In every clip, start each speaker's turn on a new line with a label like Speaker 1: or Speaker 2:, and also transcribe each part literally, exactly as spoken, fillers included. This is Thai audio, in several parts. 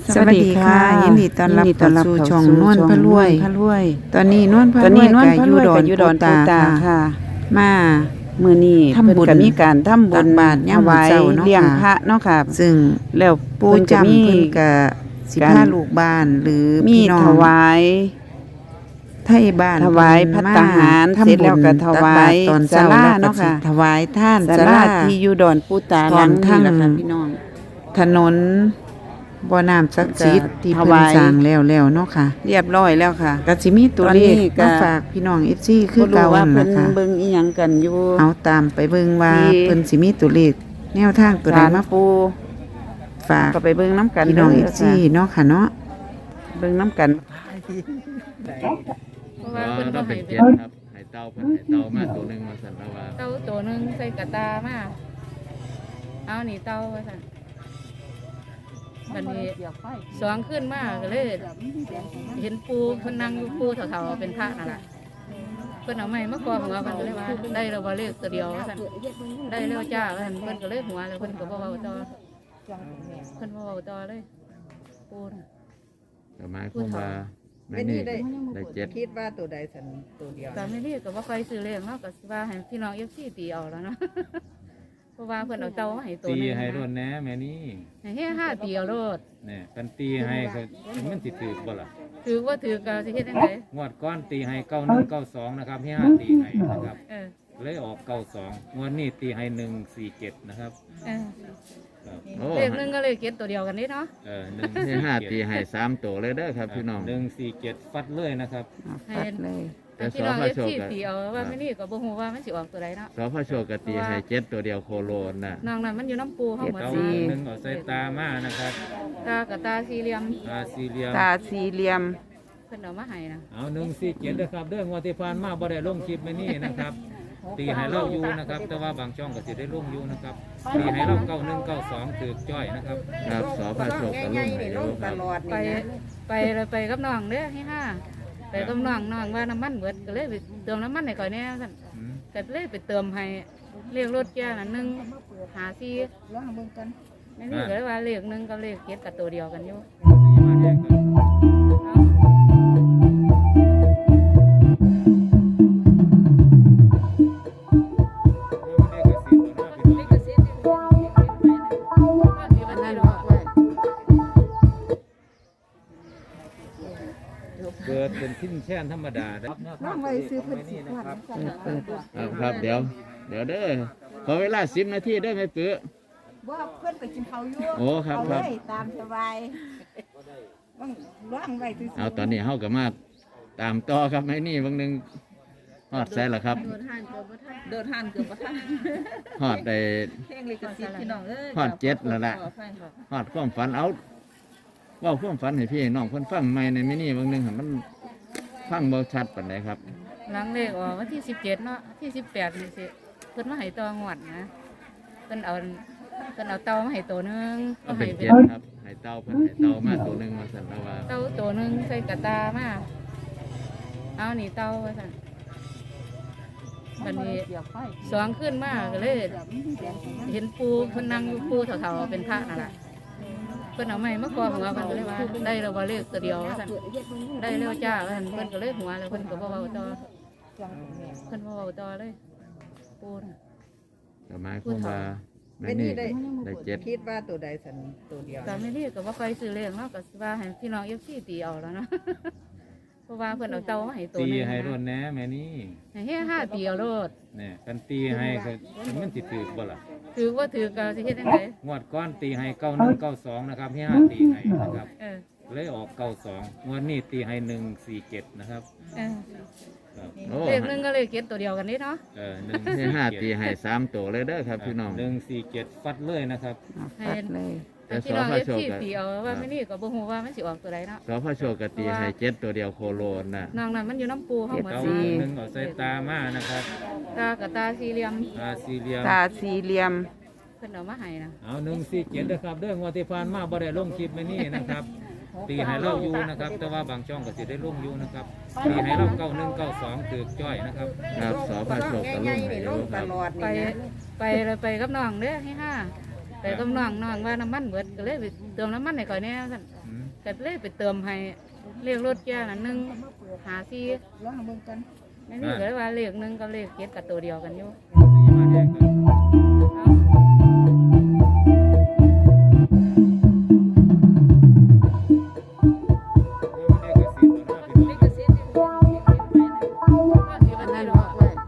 Speaker 1: สวัสดีค่ะยินดีต้อนรับเข้าสู่ช่องนวลพระรวยตอนนี้นวลพระรวยก็อยู่ดอนปูตาค่ะมามื้อนี้ทำบุญมีการทำบุญบาตรยามเช้าเนาะเลี้ยงพระเนาะค่ะซึ่งแล้วปู่จำเพิ่นก็สิพาลูกบ้านหรือพี่น้องถวายไทยบ้านถวายภัตตาหารเสร็จแล้วก็ถวายตอนเช้าเนาะค่ะถวายท่านศาลาที่อยู่ดอนปูตาหลังนี้ล่ะค่ะพี่น้องถนนบ่อน้ำศักดิ์สิทธิ์ที่เพิ่นสร้างแล้วแล้วเนาะค่ะเรียบร้อยแล้วค่ะก็สิมีตัวเลขมาฝากพี่น้อง เอฟ ซี คือเก่านั่นล่ะค่ะเบิ่งอีหยังกันอยู่เอาตามไปเบิ่งว่าเพิ่นสิมีตัวเลขแนวทางตัวใดมาปูฝากก็ไปเบิ่งนํกันพี่น้อง เอฟ ซี เนาะค่ะเนาะเบิ่งนํกัน
Speaker 2: เพราะว่าเพิ่นบ่ให้เป็นครับให้เต่าเพิ่นให้เต่ามาตัวนึงมาสั่นแล้วว่า
Speaker 3: เต่าตัวนึงใส่กระตามาเอานี่เต่าว่าซั่นบัดนี้สองขึ้นมาก็เลยเห็นปูเพิ่นนั่งอยู่ปูเฒ่าๆเป็นพระนั่นล่ะเพิ่นเอาไม้มากอหัวเพิ่นก็เลยว่าได้แล้วบ่เลขตัวเดียวว่าซั่นได้แล้วจ้าว่าซั่นเพิ่นก็เลยหัวแล้วเพิ่นก็บ่เว้าต่อเพิ่นบ่เว้าต่อเลยปูน่ะ
Speaker 2: ก็หมายความว่าแม่นี่ได้ได้เจ็ด
Speaker 4: คิดว่าตัวใดสันตัวเดียว
Speaker 3: ก็แม่นี่ก็บ่ค่อยซื้อเลขเนาะก็สิว่าให้พี่น้อง เอฟ ซี ตีเอาแล้วเนาะเพราะว่าเพิ่นเอาเต่ามาให้ตัวนึง
Speaker 2: ตีให้รถแหน่แม่นี่
Speaker 3: ให้เฮ็ดห้าตีเอาโลด
Speaker 2: นี่กันตีให้ก็มันสิถือบ่ล่ะ
Speaker 3: ถือว่าถือก็สิเฮ็ดจังได๋
Speaker 2: งวดก้อนตีให้เก้าหนึ่งเก้าสองนะครับให้ห้าตีให้นะครับ
Speaker 3: เออ
Speaker 2: เลยออกเก้าสองงวดนี้ตีให้หนึ่งสี่เจ็ดนะครับ
Speaker 3: เออเลขนึงก็เลขเจ็ดตัวเดียวกันนี่เนาะ
Speaker 2: เออหนึ่งให้ห้าตีให้สามตัวเลยเด้อครับพี่น้องหนึ่งสี่เจ็ดฟัดเลยนะครับ
Speaker 3: ฟัดเลยแต่พี่น้อง เอฟ ซี ตีเอาว่าไม่นี่ก็บ่ฮู้ว่ามันสิออกตัวใดเนาะ
Speaker 2: สพโชคก็ตีให้เจ็ดตัวเดียวโคโลนน่ะ
Speaker 3: น้องนั้นมันอยู่น้ำปูเฮาหมด
Speaker 2: สินึงเอาใส่ตามานะครับ
Speaker 3: ตากับตาสี่เหลี่ยม
Speaker 2: ตาสี่เหลี่ยม
Speaker 1: ตาสี่เหลี่ยม
Speaker 3: เพิ่นเอามาให้นะ
Speaker 2: เอาหนึ่งสี่เจ็ดเด้อครับเด้องวดที่ผ่านมาบ่ได้ลงคลิปแม่นี่นะครับตีให้เราอยู่นะครับแต่ว่าบางช่องก็สิได้ลงอยู่นะครับตีให้เราเก้าหนึ่งเก้าสองถือจ้อยนะครับครับสพโชคก็ลงให้อยู่ครับ
Speaker 3: ไปไปเลยไปกับน้องเด้อให้ห้าไปกับน้องน้องว่าน้ำมันเบิดก็เลยไปเติมน้ำมันให้ก่อนแน่สั่นก็เลยไปเติมให้เรียกรถแก่น่ะหนึ่งหาซีลองเบิ่งกันไม่นี่ก็เลยว่าเลขหนึ่งกับเลขเจ็ดกับตัวเดียวกันอยู่
Speaker 2: เกิดเป็นทิ้นแช่นธรรมดาครับ
Speaker 4: น้องไว้ซื้อเพิ่นสิบ
Speaker 2: ครับครับเดี๋ยวเดี๋ยวเด้อขอเวลาสิบนาทีได้ไหมปื้อ
Speaker 4: ว่าเพิ่นไปกินข้าวอยู่
Speaker 2: โอ้ครับครับ
Speaker 4: ตามสบายต้องร่างไว้ซื้อ
Speaker 2: เอาตอนนี้เฮาก็มาตามต่อครับไอ้นี่บางนึงฮอดใส่ละครับ
Speaker 4: เดินห่างเกือบบ่ทันเดินห่างเกือบบ่ทัน
Speaker 2: ฮอดได้
Speaker 4: เพลงลิขสิทธิ์พี่น้องเอ้ย
Speaker 2: ฮอดเจ็ดแล้วล่ะฮอดความฝันเอาว่าความฝันให้พี่น้องเพิ่นฟังใหม่ในมินิบางนึงมันฟังบ่ชัดปานใดครับ
Speaker 3: หลังเลขออกวันที่สิบเจ็ดเนาะที่สิบแปดนี่สิเพิ่นมาให้ต่องวดนะเพิ่นเอาเพิ่นเอาเต่ามาให้ตัวนึง
Speaker 2: ก็ให้เจ็ดครับให้เต่าเพิ่นให้เต่ามาตัวนึงมาสั่นแล้วว่า
Speaker 3: เต่าตัวนึงใส่กระตามาเอานี่เต่าว่าซั่นบัดนี้สองขึ้นมาก็เลยเห็นปูเพิ่นนั่งอยู่ปูเฒ่าๆเป็นพระนั่นล่ะเพิ่นเอาไม้มากอหัวเพิ่นก็เลยว่าได้แล้วบ่เลขตัวเดียวว่าซั่นได้แล้วจ้าว่าซั่นเพิ่นก็เลยหัวแล้วเพิ่นก็บ่เว้าต่อเพิ่นบ่เว้าต่อเลยปูน่ะ
Speaker 2: ก็หมายความว่าแม่นี่ได้ได้เจ็ด
Speaker 4: คิดว่าตัวใดสันตัวเดียว
Speaker 3: ก็แม่นี่ก็บ่ค่อยซื้อเลขเนาะก็สิว่าให้พี่น้อง เอฟ ซี ตีเอาแล้วเนาะเพราะว่าเพิ่นเอาเต่ามาให้ตัวนึง
Speaker 2: ตีให้รถแหน่แม่นี่
Speaker 3: ให้เฮ็ดห้าตีเอาโลด
Speaker 2: นี่กันตีให้ก็มันสิถือบ่ล่ะ
Speaker 3: ถือว่าถือก็สิเฮ็ดจังได๋
Speaker 2: งวดก้อนตีให้เก้าหนึ่งเก้าสองนะครับให้ห้าตีให้นะครับเออเลยออกเก้าสองงวดนี้ตีให้หนึ่งสี่เจ็ดนะครับ
Speaker 3: เออเลขหนึ่งก็เลขเจ็ดตัวเดียวกันนี่เนาะ
Speaker 2: เออหนึ่งให้ห้าตีให้สามตัวเลยเด้อครับพี่น้องหนึ่งสี่เจ็ดฟัดเลยนะครับ
Speaker 3: ฟัดเลยแต่พี่น้อง เอฟ ซี ตีเอาว่าไม่นี่ก็บ่ฮู้ว่ามันสิออกตัวใดเนาะ
Speaker 2: สพโชคก็ตีให้เจ็ดตัวเดียวโคโลนน่ะ
Speaker 3: น้องนั้นมันอยู่น้ำปูเฮาหมด
Speaker 2: สินึงเอาใส่ตามานะครับ
Speaker 3: ตากับตาสี่เหลี่ยม
Speaker 2: ตาสี่เหลี่ยม
Speaker 1: ตาสี่เหลี่ยม
Speaker 3: เพิ่นเอามาให้นะ
Speaker 2: เอาหนึ่งสี่เจ็ดเด้อครับเด้องวดที่ผ่านมาบ่ได้ลงคลิปแม่นี่นะครับตีให้เราอยู่นะครับแต่ว่าบางช่องก็สิได้ลงอยู่นะครับตีให้เราเก้าหนึ่งเก้าสองถือจ้อยนะครับครับสพโชคก็ลงให้อยู่ครับ
Speaker 3: ไปไปเลยไปกับน้องเด้อให้ห้าไปกับน้องน้องว่าน้ำมันเบิดก็เลยไปเติมน้ำมันให้ก่อนแน่สั่นก็เลยไปเติมให้เลขรถแก่น่ะหนึ่งหาสี่
Speaker 4: ร้องเบิ่งกัน
Speaker 3: ไม่นี่ก็เลยว่าเลขหนึ่งกับเลขเจ็ดกับตัวเดียวกันอยู่
Speaker 2: สีมาแดงกัน
Speaker 3: เอา
Speaker 2: นี่ก็สีตัวหน้าพี่น้อง
Speaker 3: อันนั้นเนาะ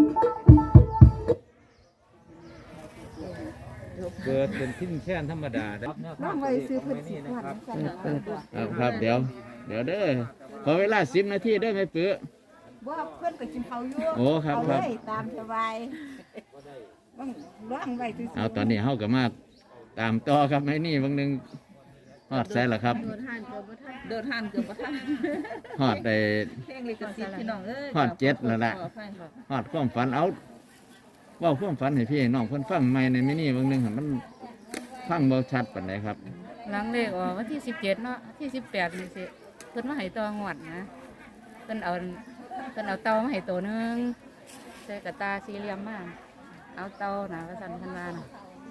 Speaker 2: เกิดเป็นทิ้นแช่นธรรมดาได้
Speaker 4: ร้องไว้ซื้อเพิ่นสิ
Speaker 2: นะ
Speaker 4: ก่อน
Speaker 2: ครับ
Speaker 4: กัน
Speaker 5: ครับครับเดี๋ยวเดี๋ยวเด้อขอเวลาสิบนาทีได้ไหมปื้อ
Speaker 4: บ่เพิ่นก็กินข้าวอยู่
Speaker 5: โอ้ครับ
Speaker 4: เอา
Speaker 5: ครับ
Speaker 4: เลยตามสบายต้องร้องไว้ซื่อๆ
Speaker 5: เอาตอนนี้เฮากับมาตามต่อครับไม่นี่บางหนึงฮอดใส่ละครับ
Speaker 4: เดินห้านเกือบบ่ทันเดินห้านเกือบบ่ทัน
Speaker 5: ฮอดได้
Speaker 4: เพลงลิขสิทธิ์พี่น้องเอ้ย
Speaker 5: ฮอดเจ็ดแล้วล่ะ
Speaker 4: ขออภัยครับ
Speaker 5: ฮอดความฝันเอาเว่าความฝันให้พี่ให้น้องเพิ่นฟังใหม่ในไม่นี่บางหนึงหั่นมันฟังบ่ชัดปานใดครับ
Speaker 3: หลังเลขออกวันที่สิบเจ็ดเนาะที่สิบแปดนี่สิเพิ่นมาให้ตัวงวดนะเพิ่นเอาเพิ่นเอาเตามาให้ตัวหนึงใส่กระตาสี่เหลี่ยมมาเอาเตาหนาว่าสั่นเพิ่นว่าน่ะ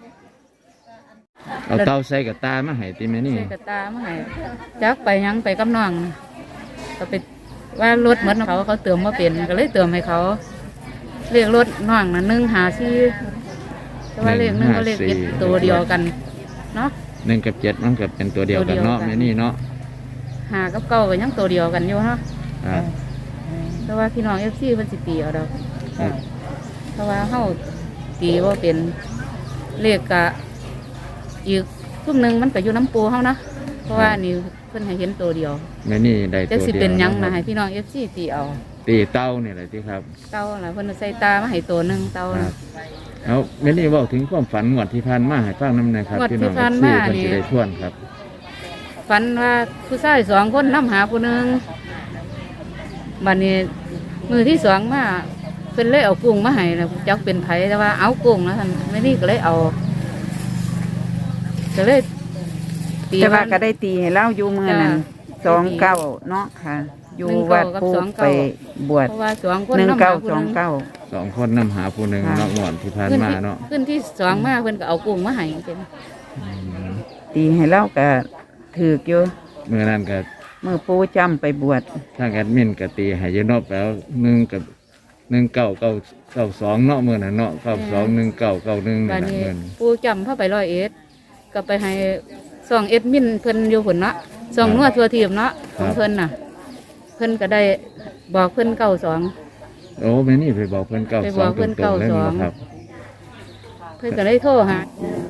Speaker 5: เอาเตาใส่กับตามาให้ติแม่นี่
Speaker 3: ใส่กระตามาให้จักไปหยังไปกับน้องน่ะก็ไปว่ารถเหมือนเขาเขาเติมมาเป็นก็เลยเติมให้เขาเลขรถน้องน่ะหนึ่งหาสี่แต่ว่าเลขหนึ่งก็เลขเจ็ดตัวเดียวกันเนาะ
Speaker 5: หนึ่งกับเจ็ดมันก็เป็นตัวเดียวกันเนาะ
Speaker 3: ตัวเดียวกัน
Speaker 5: แม่นี่เนาะ
Speaker 3: หากับเก้าก็ยังตัวเดียวกันอยู่เนาะ
Speaker 5: ครับ
Speaker 3: แต่ว่าพี่น้องเอฟซีเพิ่นสิตีเอาดอก
Speaker 5: ครับ
Speaker 3: เพราะว่าเฮาตีว่าเป็นเลขกะอีกทุ่มหนึ่งมันก็อยู่น้ำปูเฮานะเพราะว่าอันนี่เพิ่นให้เห็นตัวเดียว
Speaker 5: แม่นี่ได้
Speaker 3: จั
Speaker 5: ตั
Speaker 3: ก
Speaker 5: ว
Speaker 3: สิ
Speaker 5: เดียว
Speaker 3: เป็นหยังนะ
Speaker 5: ค
Speaker 3: ให้
Speaker 5: รับ
Speaker 3: พี่น้องเอฟซีตีเอา
Speaker 5: ตีเต้านี่แหละที่ครับ
Speaker 3: เต้าล่ะเพิ่นใส่ตามาให้ตัวหนึงเต้า
Speaker 5: ครั
Speaker 3: น่ะ
Speaker 5: บเอาแม่นี่เว่าถึงความฝันงวดที่ผ่านมาให้ฟังน้ำหนะครับ
Speaker 3: งวด
Speaker 5: พี่
Speaker 3: ที่
Speaker 5: น้อง
Speaker 3: ผ่าน
Speaker 5: ซี่
Speaker 3: มา
Speaker 5: เพิ่น
Speaker 3: นี่
Speaker 5: จะได้ทวนครับ
Speaker 3: ฝันว่าผู้ชายสองคนนํหาผู้หนึงบัดนี้มือที่สองมาเพิ่นเลยเอากุ้งมาให้แล้วจักเป็นไผแต่ว่าเอากุ้งแล้วท่านไม่นี่ก็เลยเอาก็เลยตี
Speaker 1: แต่ว่า
Speaker 3: ว่า
Speaker 1: ก็ได้ตีให้เล่าอยู่มือนั้น
Speaker 3: จ้ะ
Speaker 1: สองเก้าเนาะค่ะ อยู่
Speaker 3: หนึ่ง
Speaker 1: วั
Speaker 3: เก้า
Speaker 1: ด
Speaker 3: กับ
Speaker 1: ปู
Speaker 3: สอง
Speaker 1: ไป
Speaker 3: เก้า
Speaker 1: บวช
Speaker 3: เพราะว่าสองคน
Speaker 1: หนึ่ง
Speaker 3: น้ำห
Speaker 1: เก้า
Speaker 3: ผู้
Speaker 1: สอง
Speaker 3: หนึ่
Speaker 1: เก้า
Speaker 5: สองคนนำหาผู้หนึ่ง
Speaker 1: ค่ะ
Speaker 5: เนาะงวดที่ผ่าน
Speaker 3: ขึ้น
Speaker 5: มา
Speaker 3: ที่
Speaker 5: เนาะ
Speaker 3: ขึ้นที่สองมาเพิ่นก็เอากุ้งมาให้เป็น
Speaker 5: อืม
Speaker 1: ตีให้เล่าก็ถือกอยู่
Speaker 5: เมื่อนั้นก็
Speaker 1: มือปูจำไปบวช
Speaker 5: ทางแอดมินก็ตีให้อยืนนอกแล้วหนึ่งกับหนึ่งเก้าเก้าเก้าสองเนาะเมื่อนั้นเนาะเก้าสองหนึ่งเก้าเก้าหนึ่ง
Speaker 3: บั
Speaker 5: นี่
Speaker 3: ด
Speaker 5: แหละ
Speaker 3: นี้
Speaker 5: เมื่อนั้น
Speaker 3: ปูจำเข้าไปร้อยเอ็ดก็ไปให้สองเอ็ดมินเพิ่นอยู่หุ่นเนาะสองนวดทัวทีมเนาะของเพิ่นน่ะ เพิ่นก็ได้บอกเพิ่นเก้าสอง
Speaker 5: โอ้แม่นี่ไปบอกเพิ่นเก้า
Speaker 3: ไป
Speaker 5: ส
Speaker 3: บ
Speaker 5: อ
Speaker 3: อง กเพิ่น
Speaker 5: ตรงๆเลย
Speaker 3: เก้าสอง
Speaker 5: นะครับ
Speaker 3: เพิ่นก็เลยโทรหา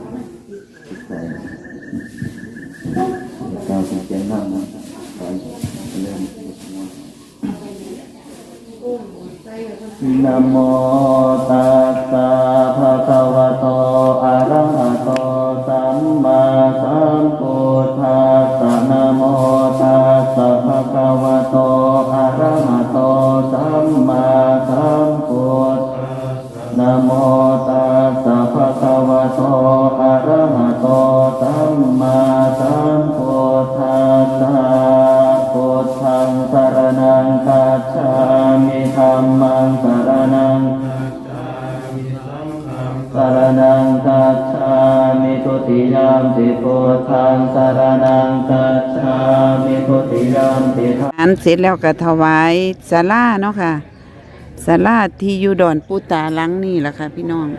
Speaker 6: นะโมตัสสะภะคะวะโตอะระหะโตสัมมาสัมพุทธัสสะนะโมตัสสะภะคะวะโตอะระหะโตสัมมาสัมพุทธัสสะนะโมตัสสะภะคะวะโตอะระหะโตสัมมาสัมพุทธัสสะพุทธังสรณังคัจฉามิธัมมังสรณังสรณังคัจฉามิทุติยามปิพุทธังสรณังคัจฉามิทุติยามปิธัม
Speaker 1: อันเสร็จแล้วก็ถวายศาลาเนาะค่ะศาลาที่อยู่ดอนปูตาหลังนี่แหละค่ะ พี่น้อง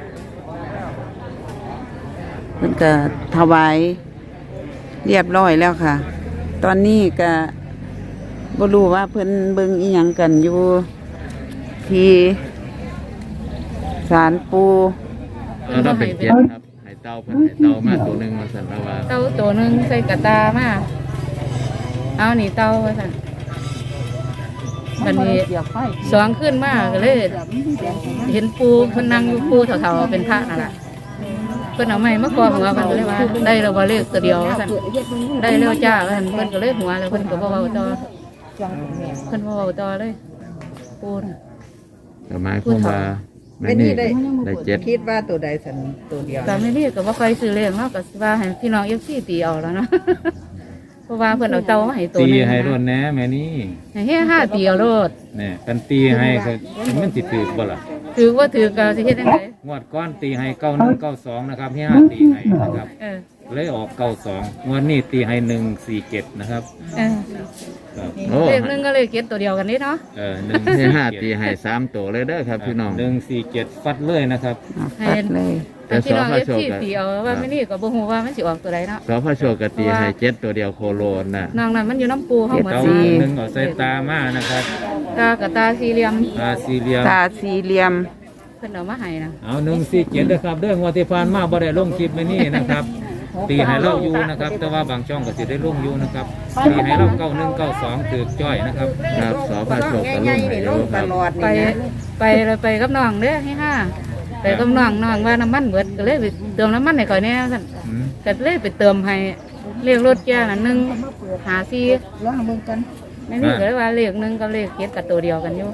Speaker 1: เพิ่นก็ถวายเรียบร้อยแล้วค่ะ ตอนนี้ก็บ่รู้ว่าเพิ่นเบิ่งอีหยังกันอยู่ที่ศาลปู
Speaker 5: แล้วเราเป็นเจ็ดครับให้เต้าเพิ่นให้เต้ามาตัวหนึ่งมาสั่นแล้วว่า
Speaker 3: เต้าตัวหนึงใส่กระตามาเอานี่เต้าว่าซั่นบัดนี้สองขึ้นมาก็เลย เห็นปูเพิ่นนั่งอยู่ปูเถาๆเป็นพระนั่นแหละเพิ่นเอาไม้มาคอหัวมันก็เลยว่าได้แล้วว่าเลขตัวเดียวว่าซั่นได้แล้วจ้าว่าซั่นเพิ่นก็เลยหัวแล้วเพิ่นก็บ่เว้าต่อเพิ่นบ่เว้าต่อเลยปูน่ะ
Speaker 5: ก็หมายความว่าแม่นี่ได้เจ็ด
Speaker 4: คิดว่าตัวใดสันตัวเดียว
Speaker 3: ก็ไม่เรียกก็บ่ค่อยซื้อเลขเนาะก็สิว่าให้พี่น้อง เอฟ ซี ตีเอาแล้วเนาะ เพราะว่าเพิ่นเอาเตามาให้ตัว
Speaker 2: ตี
Speaker 3: หนึง
Speaker 2: ให้
Speaker 3: นะ
Speaker 2: รวดแหน่แม่นี่
Speaker 3: ให้เฮ็ดห้าตีเอาโลด
Speaker 2: เนี่ยกันตีให้ก็มันสิถือบ่ล่ะ
Speaker 3: ถือว่าถือกาสิเฮ็ดจังได
Speaker 2: งวดก้อนตีให้เก้าหนึ่งเก้าสองนะครับที่ห้าตีให้นะครับ
Speaker 3: เออ
Speaker 2: เลยออกเก้าสองงวดนี้ตีให้หนึ่งสี่เจ็ดนะครับ
Speaker 3: เออ
Speaker 2: ครับ
Speaker 5: โอ้
Speaker 3: เลขหนึงก็เลขเก็ดตัวเดียวกันนี่เนาะ
Speaker 2: เออหนึ่ง
Speaker 5: ที่ห้าตีให้สามตัวเลยเด้อครับพี่น้อง
Speaker 2: หนึ่งสี่เจ็ดฟัดเลยนะครับ
Speaker 1: เอาฟัดเลย
Speaker 5: แต่
Speaker 3: พี่น้อง
Speaker 5: สพ
Speaker 3: เอฟ
Speaker 5: โชค
Speaker 3: ซี
Speaker 5: ก็
Speaker 3: ตีเอาว่าไม่นี่ก็บ่ฮู้ว่ามันสิออกตัวใดเนาะ
Speaker 5: สพโชคกตีให้เจ็ดตัวเดียวโคโลนน่ะ
Speaker 3: นางนั้นมันอยู่น้ำปูเฮาเหมือน
Speaker 2: เก้า
Speaker 3: สิ
Speaker 2: หนึ่งเอาใส่ตามานะครับ
Speaker 3: ตากับตาสี่เหลี่ยม
Speaker 2: ตาสี่เหลี่ยม
Speaker 1: ตาสี่เหลี่ยม
Speaker 3: เพิ่นเอามาให้นะ
Speaker 2: เอาหนึ่งสี่เจ็ดนะครับเรื่องงวดที่ผ่านมาบ่ได้ลงคลิปไม่นี่นะครับ ตีให้เราอยู่นะครับ แต่ว่าบางช่องก็สิได้ลงอยู่นะครับตีให้เราเก้าหนึ่งเก้าสองถือจ้อยนะครับ
Speaker 5: ครับสพโชคก็ลงให้อยู่ครับ
Speaker 3: ไปไปเลยไปกับน้องเด้อให้ห้าไปกับน้องน้องว่าน้ำมันเบิดก็เลยไปเติมน้ำมันให้ก่อยแน่ซั่น
Speaker 2: อืม
Speaker 3: ก็เลยไปเติมให้เลขรถแก่น่ะหนึ่งหาสี่
Speaker 4: ลองเบิ่งกัน
Speaker 3: ไม่นี่ก็เลยว่าเลขหนึ่งกับเลขเจ็ดกับตัวเดียวกันอยู่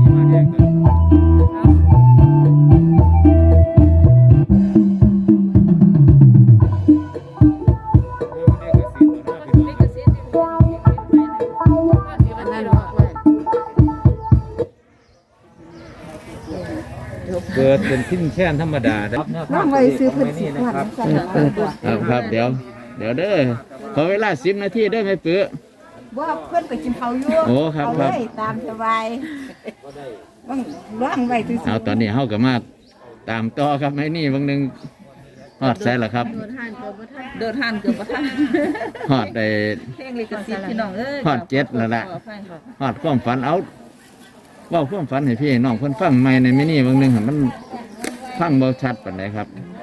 Speaker 2: เกิดเป็นทิ้นแช่นธรรมดาครับ
Speaker 4: น้องไว้ซื้อเพิ่นสิบวัน
Speaker 1: เปิดเปิด
Speaker 5: ครับครับเดี๋ยว เดี๋ยวเด้อขอเวลาสิบนาทีได้ไหมปื้อ
Speaker 4: ว่าเพิ่นไปกินข้าวอยู่
Speaker 5: โอ้ครับ
Speaker 4: เอา
Speaker 5: ครับ
Speaker 4: เลยตามสบายว่างว่างไว้ซื้อ
Speaker 5: เอาตอนนี้เฮากับมาตามต่อครับไอ้นี่บางหนึงฮอดใส่ละครับ
Speaker 4: เดินหันเกือบบ่ทัน
Speaker 5: ฮอดได้
Speaker 4: เพลงลิขสิทธิ์พี่น้องเอ้ย
Speaker 5: ฮอดเจ็ดแล้วล่ะฮอดความฝันเอาเว้าความฝันให้พี่น้องเพิ่นฟังใหม่ในมินี่บางหนึงหั่นมันฟังบ่ชัดปานใดครับ
Speaker 3: ค